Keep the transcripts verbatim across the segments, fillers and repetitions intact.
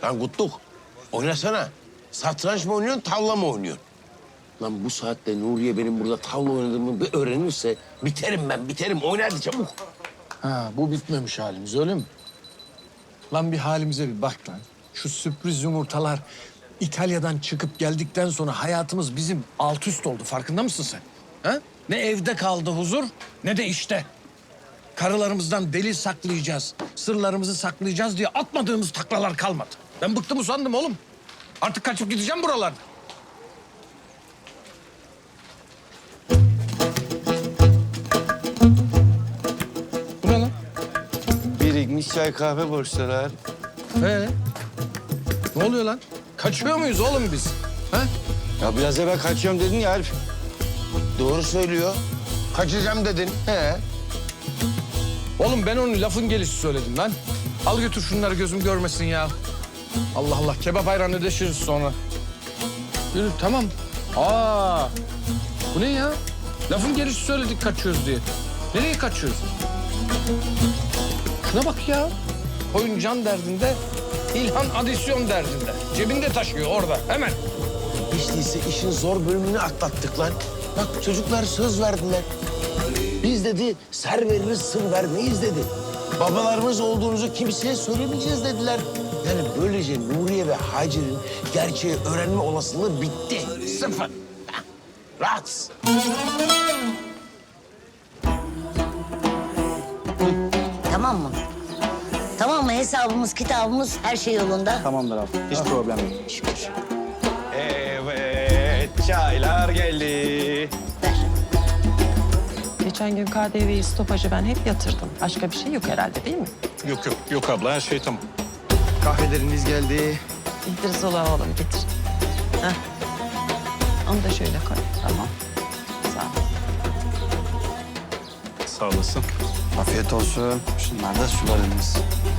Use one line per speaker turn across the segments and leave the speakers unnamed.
Lan Kutluk, oynasana. Satranç mı oynuyorsun, tavla mı oynuyorsun? Lan bu saatte Nuriye benim burada tavla oynadığımı bir öğrenirse biterim ben, biterim. Oyna hadi çabuk.
Ha, bu bitmemiş halimiz öyle mi? Lan bir halimize bir bak lan. Şu sürpriz yumurtalar İtalya'dan çıkıp geldikten sonra hayatımız bizim alt üst oldu. Farkında mısın sen? Ha? Ne evde kaldı huzur ne de işte. Karılarımızdan delil saklayacağız, sırlarımızı saklayacağız diye atmadığımız taklalar kalmadı. Ben bıktım usandım oğlum. Artık kaçıp gideceğim buralarda. Bu ne lan?
Birikmiş çay kahve borçları.
Ee, ne oluyor lan? Kaçıyor muyuz oğlum biz? Ha?
Ya biraz evvel kaçıyorum dedin ya Arif.
Doğru söylüyor. Kaçacağım dedin. He.
Oğlum ben onun lafın gelişi söyledim lan. Al götür şunları gözüm görmesin ya. Allah Allah kebap ayran ödeşiriz sonra. Yürü tamam. Aa, bu ne ya? Lafın gelişi söyledik kaçıyoruz diye. Nereye kaçıyoruz? Şuna bak ya. Koyun can derdinde, İlhan adisyon derdinde. Cebinde taşıyor orada hemen.
Hiç değilse işin zor bölümünü atlattık lan. Bak çocuklar söz verdiler. Biz dedi ser veririz sır vermeyiz dedi. Babalarımız olduğunuzu kimseye söylemeyeceğiz dediler. Yani böylece Nuriye ve Hacer'in gerçeği öğrenme olasılığı bitti. Sıfır. Heh, rahat.
Tamam mı? Tamam mı? Hesabımız, kitabımız, her şey yolunda.
Tamamdır abi. Hiç problem yok.
Şükür.
Evet, çaylar geldi.
Ver.
Geçen gün K D V'yi stopajı ben hep yatırdım. Başka bir şey yok herhalde değil mi?
Yok yok yok abla her şey tamam.
Kahveleriniz geldi.
Getir Zola oğlum getir. Heh. Onu da şöyle koy. Tamam. Sağ ol.
Sağ olasın.
Afiyet olsun. Şunlar da sularınız.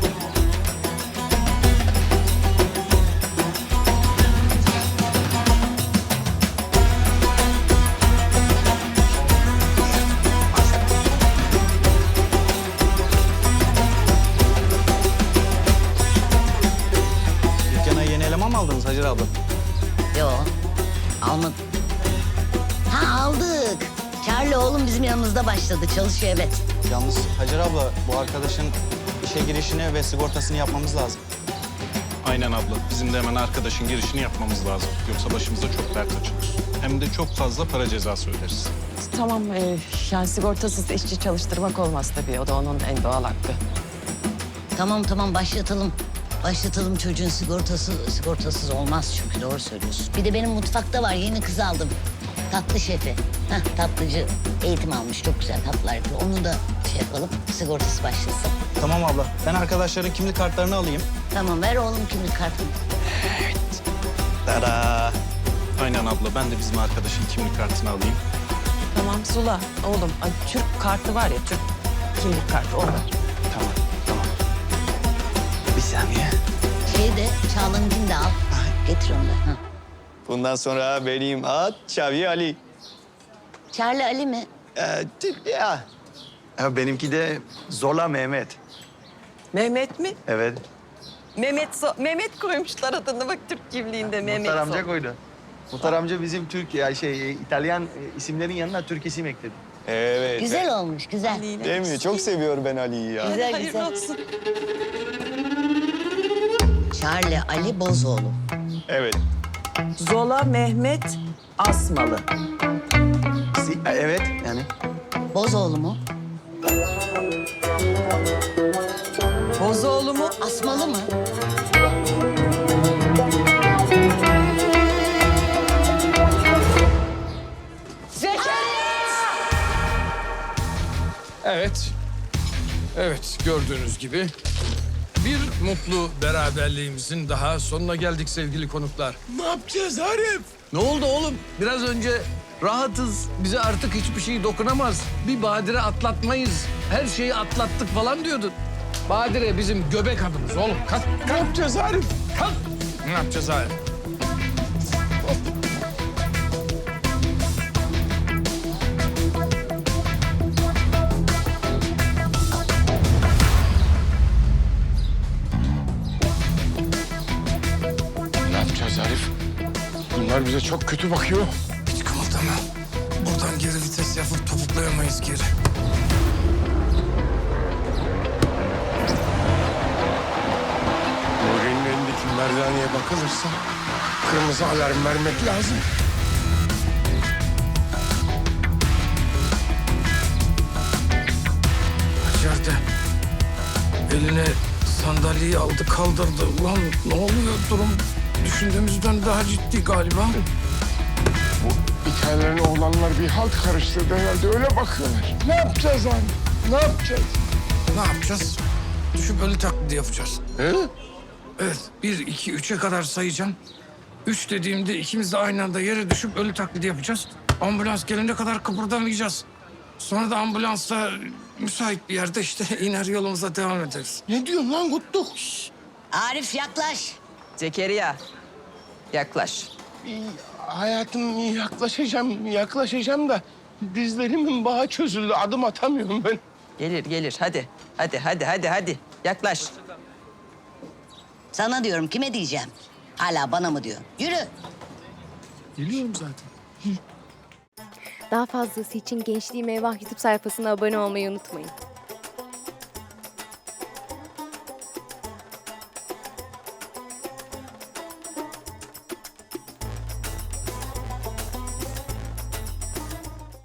Dükkana yeni eleman mı aldınız Hacer abla?
Yo, almadım. Ha aldık. Charlie oğlum bizim yanımızda başladı. Çalışıyor evet.
Yalnız Hacer abla bu arkadaşın işe girişini ve sigortasını yapmamız lazım.
Aynen abla. Bizim de hemen arkadaşın girişini yapmamız lazım. Yoksa başımıza çok dert açılır. Hem de çok fazla para cezası öderiz.
Tamam e, yani sigortasız işçi çalıştırmak olmaz tabii. O da onun en doğal hakkı.
Tamam tamam başlatalım. Başlatalım çocuğun sigortası sigortasız olmaz çünkü doğru söylüyorsun. Bir de benim mutfakta var yeni kız aldım. Tatlı şefi. Hah tatlıcı eğitim almış çok güzel tatlılar yapıyor. Onu da şey yapalım sigortası başlasın.
Tamam abla. Ben arkadaşların kimlik kartlarını alayım.
Tamam ver oğlum kimlik kartını.
Tada.
Aynen abla. Ben de bizim arkadaşın kimlik kartını alayım.
Tamam Zula oğlum. Ay, Türk kartı var ya Türk kimlik kartı o var.
Tamam, tamam. Bir saniye.
Şeyi de Çağla'nınkini de al. Getir onu da. Hah.
Bundan sonra benim ad Çavi Ali.
Charlie Ali mi?
Ee, Türk ya. Ha, benimki de Zola Mehmet.
Mehmet mi?
Evet.
Mehmet so Mehmet koymuşlar adını bak Türk kimliğinde Mehmet.
Muhtar
so-
amca koydu. Muhtar amca bizim Türk ya şey İtalyan e, isimlerin yanına Türk isim ekledi. Evet.
Güzel olmuş güzel.
Ali'yle.
Değil mi? Çok seviyor ben Ali'yi ya.
Güzel
Hayırlı
güzel.
olsun.
Charlie Ali Bozoğlu.
Evet.
Zola Mehmet Asmalı.
Si- evet yani.
Bozoğlu mu?
Bozoğlu mu?
Asmalı mı?
Evet. Evet gördüğünüz gibi bir mutlu beraberliğimizin daha sonuna geldik sevgili konuklar.
Ne yapacağız Arif?
Ne oldu oğlum? Biraz önce rahatız. Bize artık hiçbir şey dokunamaz. Bir badire atlatmayız. Her şeyi atlattık falan diyordun. Badire bizim göbek adımız oğlum. Kalk, kalk.
Ne yapacağız Arif?
Kalk. Ne yapacağız Arif?
bize çok kötü bakıyor.
Hiç kımıldama. Buradan geri vites yapıp topuklayamayız geri.
Nuri'nin elindeki merdaneye bakılırsa kırmızı alarm vermek lazım.
İçeride eline sandalyeyi aldı kaldırdı. Ulan ne oluyor durum? Düşündüğümüzden daha ciddi galiba.
Bu İtalyan oğlanlar bir halt karıştırdı herhalde. Öyle bakıyorlar. Ne yapacağız abi? Ne yapacağız?
Ne yapacağız? Düşüp ölü taklidi yapacağız.
He?
Evet, bir, iki, üçe kadar sayacağım. Üç dediğimde ikimiz de aynı anda yere düşüp ölü taklidi yapacağız. Ambulans gelene kadar kıpırdamayacağız. Sonra da ambulansla müsait bir yerde işte iner yolumuza devam ederiz.
Ne diyorsun lan Kutluk?
Arif yaklaş.
Zekeriya, yaklaş.
İyi, hayatım yaklaşacağım, yaklaşacağım da dizlerimin bağı çözüldü. Adım atamıyorum ben.
Gelir, gelir. Hadi, hadi, hadi, hadi, hadi. Yaklaş.
Sana diyorum kime diyeceğim? Hala bana mı diyor? Yürü.
Geliyorum zaten.
Daha fazlası için Gençliğim Eyvah YouTube sayfasına abone olmayı unutmayın.